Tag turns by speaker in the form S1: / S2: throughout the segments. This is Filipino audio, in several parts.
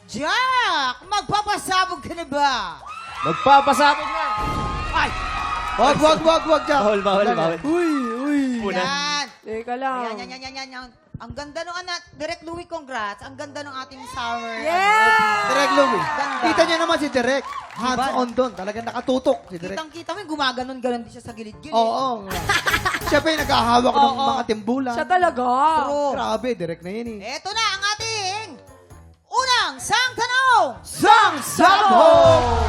S1: Jack, magpapasabog ka na ba?
S2: Magpapasabog na!
S1: Ay!
S3: Wag, Jack.
S2: Bawal.
S3: Uy.
S1: Yan.
S4: Teka lang.
S1: Yan. Ang ganda nung anak. Direk Louie, congrats. Ang ganda nung ating summer.
S4: Yeah!
S3: Direk Louie.
S1: Ganda.
S3: Kita niyo naman si Direk. Hands on doon. Talagang nakatutok si Direk.
S1: Kitang-kita mo, gumaganon-ganon din siya sa gilid-gilid.
S3: Oo. Siya pa yung naghahawak ng
S1: Oo.
S3: mga timbulan.
S4: Siya talaga.
S1: True.
S3: Grabe, Direk na yun eh.
S1: Eto na ang ating unang sang tanong.
S3: Sang Sabog!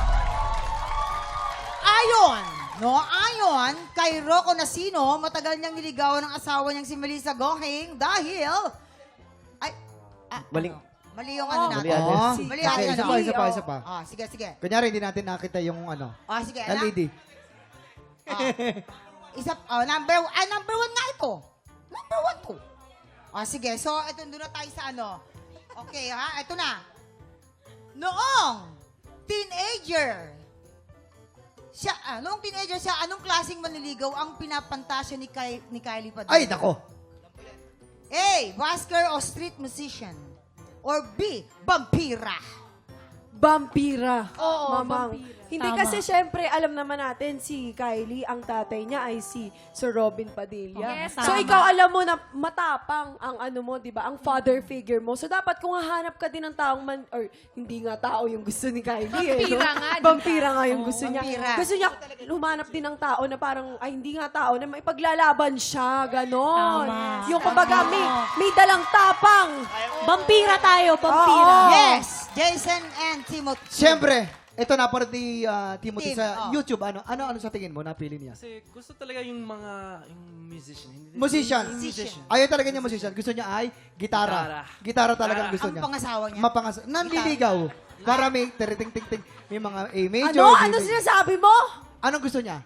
S1: Ayon kay Rocco Nasino, matagal niyang niligawan ng asawa niyang si Melissa Gohing dahil...
S2: Maling-
S1: Mali yung ano natin.
S2: Mali address.
S1: Mali
S3: Okay,
S1: ang ano.
S3: isa pa.
S1: Sige.
S3: Kunyari, hindi natin nakita yung ano.
S1: Sige.
S3: LED.
S1: Number one nga ito. Number one to. Sige. So, ito, doon na tayo sa ano. Okay, ha? Ito na. Noong teenager siya, anong klaseng manliligaw ang pinapantasya ni Kylie Padilla?
S3: Ay, nako.
S1: A. Busker o street musician? Or B. Vampira?
S4: Vampira.
S5: Oo,
S4: Mamang.
S5: vampira.
S4: Hindi
S5: Tama.
S4: kasi syempre, alam naman natin si Kylie, ang tatay niya ay si Sir Robin Padilla.
S5: Yes,
S4: So
S5: tama.
S4: ikaw alam mo na matapang ang ano mo, 'di ba? Ang father figure mo. So dapat kung hahanap ka din ng taong or hindi nga tao yung gusto ni Kylie.
S5: Vampira nga, di ba?
S4: Vampira nga yung gusto niya.
S1: vampira.
S4: Gusto niya humanap din ng tao na parang ay hindi nga tao na may paglalaban siya, ganon.
S5: Tama.
S4: Yung kumbaga may dalang tapang.
S5: Vampira tayo, vampira.
S4: Oo.
S1: Yes! Jason and Timothy.
S3: Siyempre, ito napanood ni Timothy
S1: Tim,
S3: sa
S1: oh.
S3: YouTube. Ano sa tingin mo? Napili niya?
S6: Kasi gusto talaga yung musician. Hindi,
S3: Musician.
S1: Musician.
S3: Ayaw talaga niya musician. Gusto niya ay gitara. Gitara talagang gusto
S1: Ang
S3: niya.
S1: pangasawa niya?
S3: Nanliligaw. Para may ting-ting-ting. May mga A major.
S4: Ano?
S3: B
S4: Ano
S3: major.
S4: sinasabi mo?
S3: Anong gusto niya?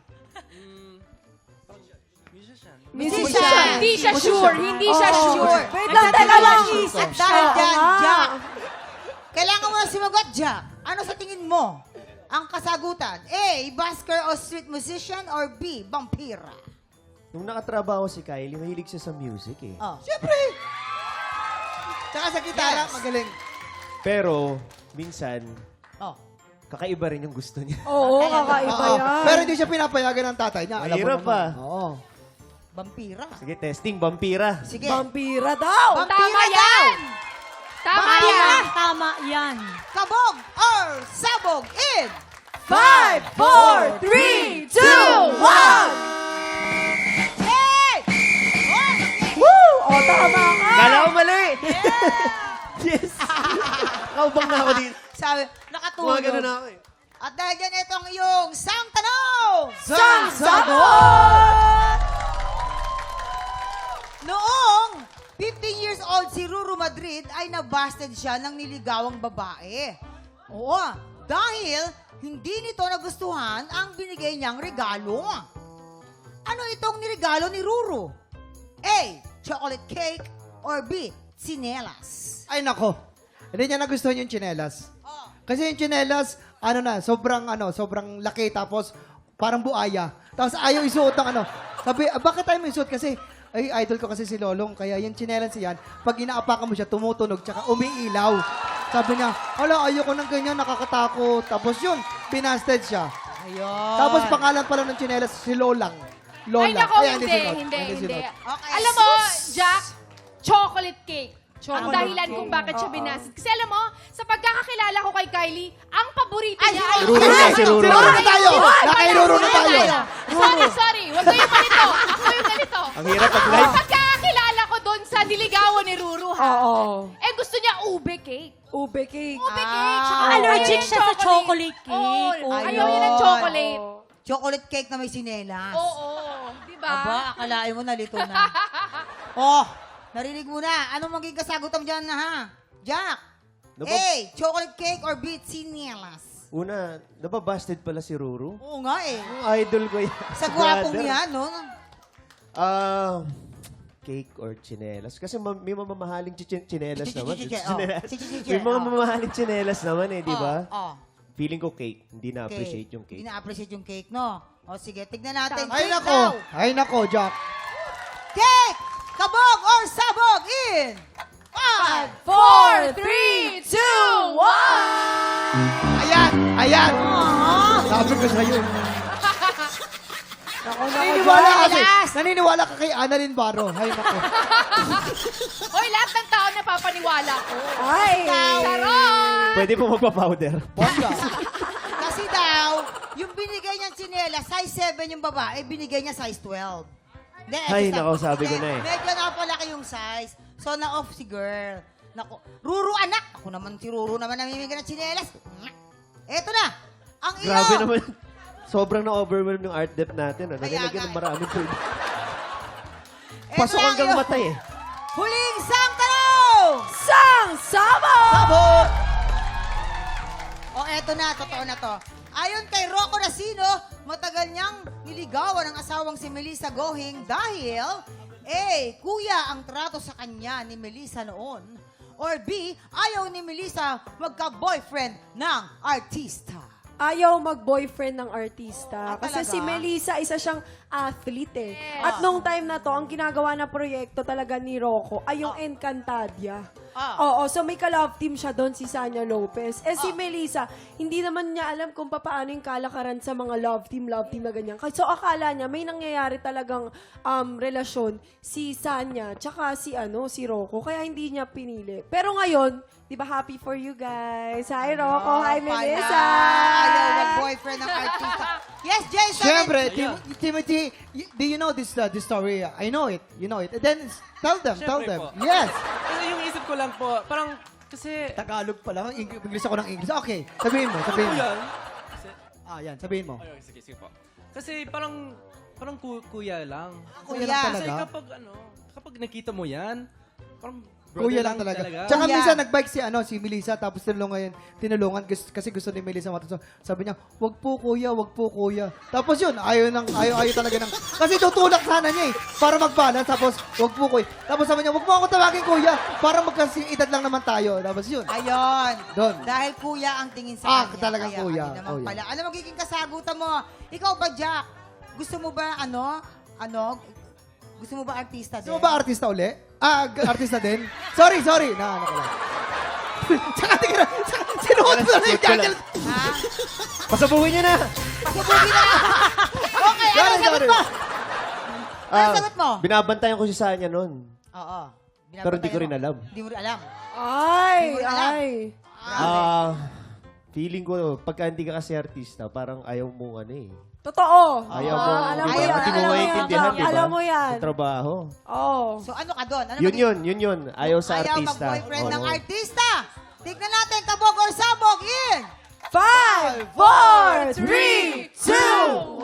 S1: Musician.
S5: Hindi siya sure. Hindi siya sure.
S4: Wait lang, teka lang.
S1: At dahil dyan,
S4: Oo nga.
S1: Jack, kailangan mo na sumagot, Jack. Ano sa tingin mo ang kasagutan? A. Busker o street musician? Or B. Vampira?
S2: Nung nakatrabaho si Kylie, mahilig siya sa music eh.
S3: Siyempre. Tsaka sa gitara,
S1: Yes.
S3: magaling.
S2: Pero, minsan,
S1: Oh.
S2: kakaiba rin yung gusto niya.
S4: Oo, kakaiba
S3: Oo.
S4: yan.
S3: Pero hindi siya pinapayagan ng tatay niya. Alam mo
S2: Mahirap
S3: naman.
S2: pa.
S3: Oo.
S1: Vampira.
S2: Sige, testing, vampira.
S1: Sige.
S4: Vampira daw.
S5: Tama yan! Tama
S1: Vampira.
S5: yan! Tama yan.
S1: Kabog or sabog in
S4: 5, 4, 3, 2, 1.
S1: Hey!
S4: Woo! O, tama ka.
S2: Kala ko mali! Yes! Kaubang na ako dito.
S1: Sabi,
S2: Mga
S1: nakatulog.
S2: ganun na ako eh.
S1: At dahil dyan, ito ang iyong sang tanong!
S3: Sang
S4: Sagot!
S1: Noong 15 years old si Ruru Madrid ay nabasted siya ng niligawang babae. Oo, dahil hindi nito nagustuhan ang binigay niyang regalo. Ano itong niregalo ni Ruru? A. Chocolate cake or B. Tsinelas?
S3: Ay, nako. Hindi niya nagustuhan yung tsinelas.
S1: Oh.
S3: Kasi yung tsinelas, sobrang laki, tapos parang buaya. Tapos ayaw isuot ng ano. Sabi, bakit tayo may isuot? Kasi, ay, idol ko kasi si Lolong. Kaya yung tsinelas yan, pag inaapakan mo siya, tumutunog, tsaka umiilaw. Sabi niya, ayoko ng ganyan, nakakatakot. Tapos yun, binasted siya.
S1: Ayun.
S3: Tapos pangalan pala ng tsinelas, si Lolang. Lola.
S5: Ay, nako,
S3: Kaya
S5: hindi.
S3: sinuot.
S5: Hindi.
S3: sinuot.
S1: Okay.
S5: Alam mo, Jack, chocolate cake. Ang
S4: Chocolate
S5: dahilan
S4: cake.
S5: kung bakit siya binasid. Kasi alam mo, sa pagkakakilala ko kay Kylie, ang paborito niya ay...
S2: Ruru na, si Ruru.
S3: Ruru na tayo!
S5: Ay,
S3: Nakairuro na tayo!
S5: Sorry. Huwag ko yung ganito. Ako yung ganito.
S2: Ang hirap pag-live.
S5: Ang pagkakakilala ko doon sa niligawan ni Ruru, ha?
S4: Oo.
S5: Eh, gusto niya ube cake.
S4: Ube cake.
S5: Ube cake. Tsaka
S7: Allergic
S5: ayaw
S7: siya sa chocolate cake.
S5: Oo, ayaw
S1: Ayun.
S5: niya ng chocolate.
S1: Chocolate cake na may sinelas.
S5: Oo. Di ba?
S1: Aba, akalain mo nalito na. Oh, narinig mo na. Anong magiging kasagutan dyan na, ha? Jack, A. Chocolate cake or B. Tsinelas?
S2: Una, nababasted pala si Ruru.
S1: Oo nga eh.
S2: Yung idol ko yan.
S1: Sa gwapong
S2: Brother.
S1: yan, no?
S2: Cake or chinelas. Kasi may mamamahaling chinelas naman.
S1: Oh.
S2: May mga mamahaling chinelas naman eh, di ba?
S1: Oh,
S2: Feeling ko cake. Hindi na-appreciate
S1: cake.
S2: yung cake.
S1: Hindi na-appreciate yung cake, no? O sige, tignan natin.
S3: Ay,
S1: Cake
S3: nako.
S1: daw.
S3: Ay, nako, Jack.
S1: Cake! Kabog or sabog in 5,
S4: 4, 3, 2,
S3: Ayan! Ayan!
S1: Aww.
S3: Sabi ko sa'yo.
S4: Nako,
S3: Naniniwala
S1: Joy,
S3: kasi.
S1: last.
S3: Naniniwala ka kay Annalyn Baro. Hay nako.
S5: Hoy, lahat ng tao napapaniwala ko.
S4: Ay!
S5: Charot!
S2: Pwede po magpa-powder.
S3: Bongga.
S1: Kasi daw, yung binigay niyang tsinelas, size 7 yung babae, binigay niya size 12. Hindi,
S2: Ay,
S1: eto,
S2: nako, sabi ko
S1: hindi,
S2: na eh.
S1: Medyo napalaki yung size. So, na-off si girl. Nako, Ruru anak! Ako naman si Ruru naman namimigay ng tsinelas. Eto na! Ang iyo!
S2: Grabe naman. Sobrang na-overwhelm yung art depth natin. Ano?
S1: Kaya
S2: Nilagyan ng
S1: nga.
S2: maraming tubig.
S1: Eto
S2: Pasok
S1: na ang
S2: hanggang
S1: iyo.
S2: matay eh.
S1: Huling sang tanong!
S4: Sang Sabo!
S3: Sabot!
S1: O eto na, totoo na to. Ayon kay Rocco Racino, matagal niyang niligawan ang asawang si Melissa Gohing dahil A. Kuya ang trato sa kanya ni Melissa noon. Or B. Ayaw ni Melissa magka-boyfriend ng artista.
S4: Ayaw mag-boyfriend ng artista.
S1: Ah,
S4: Kasi
S1: talaga?
S4: si Melissa, isa siyang athlete eh. At nung time na to, ang ginagawa na proyekto talaga ni Rocco ay yung Encantadia. Oo, so may ka-love team siya doon, si Sanya Lopez. Si Melissa, hindi naman niya alam kung paano yung kalakaran sa mga love team na ganyan. So akala niya, may nangyayari talagang relasyon si Sanya, tsaka si Rocco. Kaya hindi niya pinili. Pero ngayon, di ba happy for you guys? Hi Rocco, hi Melissa!
S1: Ayaw mag-boyfriend ng artista. Yes, Jason!
S3: Siyempre, Timothy, do you know this story? I know it. You know it. And then, tell them.
S6: Siyempre po.
S3: Yes.
S6: Kasi yung isip ko lang po, parang, kasi,
S3: Tagalog pa lang. English ako ng English. Okay, sabihin mo.
S6: ano po yan?
S3: Yan, sabihin mo.
S6: Ay, sige po. Kasi parang kuya lang.
S3: Kuya
S1: Kuya.
S3: lang
S6: Kasi
S3: talaga.
S6: kapag nakita mo yan, parang
S3: Kuya
S6: brother
S3: lang talaga.
S6: talaga.
S3: Tsaka
S1: Kuya.
S3: minsan nagbike si Melissa tapos tinulungan kasi gusto ni Melissa matuto. Sabi niya, wag po kuya. Tapos yun, ayaw talaga ng, kasi tutulak sana niya eh, para mag-balance. Tapos, wag po kuya. Tapos sabi niya, wag mo ako tawagin kuya, para magkasing edad lang naman tayo. Tapos yun.
S1: Ayun.
S3: Doon.
S1: Dahil kuya ang tingin sa kanya.
S3: talagang
S1: Kaya
S3: kuya.
S1: hindi naman
S3: Oh, yeah.
S1: pala. Ano magiging kasagutan mo? Ikaw ba, Jack? Gusto mo ba, gusto mo ba artista din?
S3: Gusto mo ba artista uli? Artista din? Sorry. Ano ko lang. Tsaka tingnan, sinuot mo na yung jacket.
S1: Ha?
S2: Pasabuhin niyo na!
S1: Pasubukin na! Okay, ano
S3: Sorry.
S1: sagot mo? Ano sagot mo?
S2: Binabantayan ko si Sanya noon.
S1: Oo.
S2: Pero di ko rin alam.
S1: Hindi mo rin alam.
S4: Ay,
S1: Hindi mo alam.
S4: ay.
S2: Feeling ko, pagka hindi ka kasi artista, parang ayaw mo
S4: Totoo.
S2: Ayaw mo,
S4: alam mo
S2: di ba?
S4: yan.
S2: Hindi mo
S4: alam mo
S2: maintindihan,
S4: yan.
S2: di ba?
S4: Alam mo yan.
S2: Sa trabaho.
S4: Oo.
S1: So ano ka doon? Ano
S2: Yun. Ayaw sa
S1: Ayaw
S2: artista.
S1: mag-boyfriend ng
S2: Oo.
S1: artista. Tignan natin, kabog or sabog in!
S4: 5, 4, 3, 2,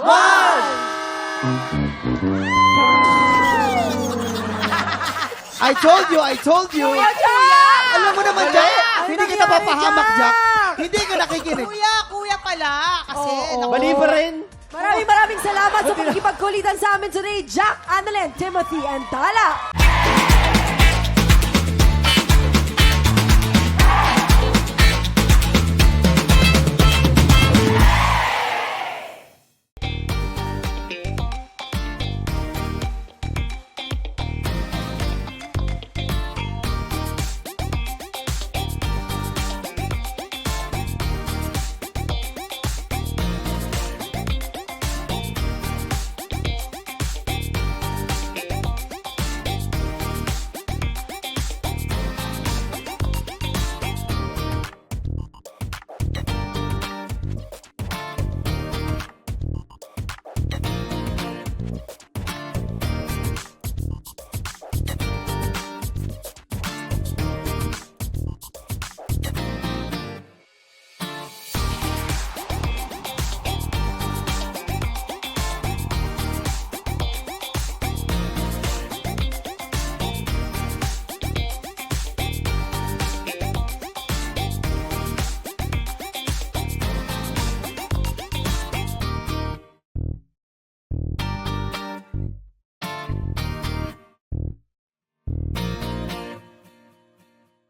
S4: 1.
S3: I told you. Alam mo naman, Jack.
S4: Ano
S3: Hindi kita
S4: nangyari,
S3: papahamak,
S4: Jack?
S3: Jack. Hindi ka nakikinig.
S1: Kuya pala. Kasi,
S4: Oo.
S2: Mali pa rin.
S4: Maraming salamat sa pagkipagkulitan sa amin today, Jack, Annalyn, Timothy, and Tala.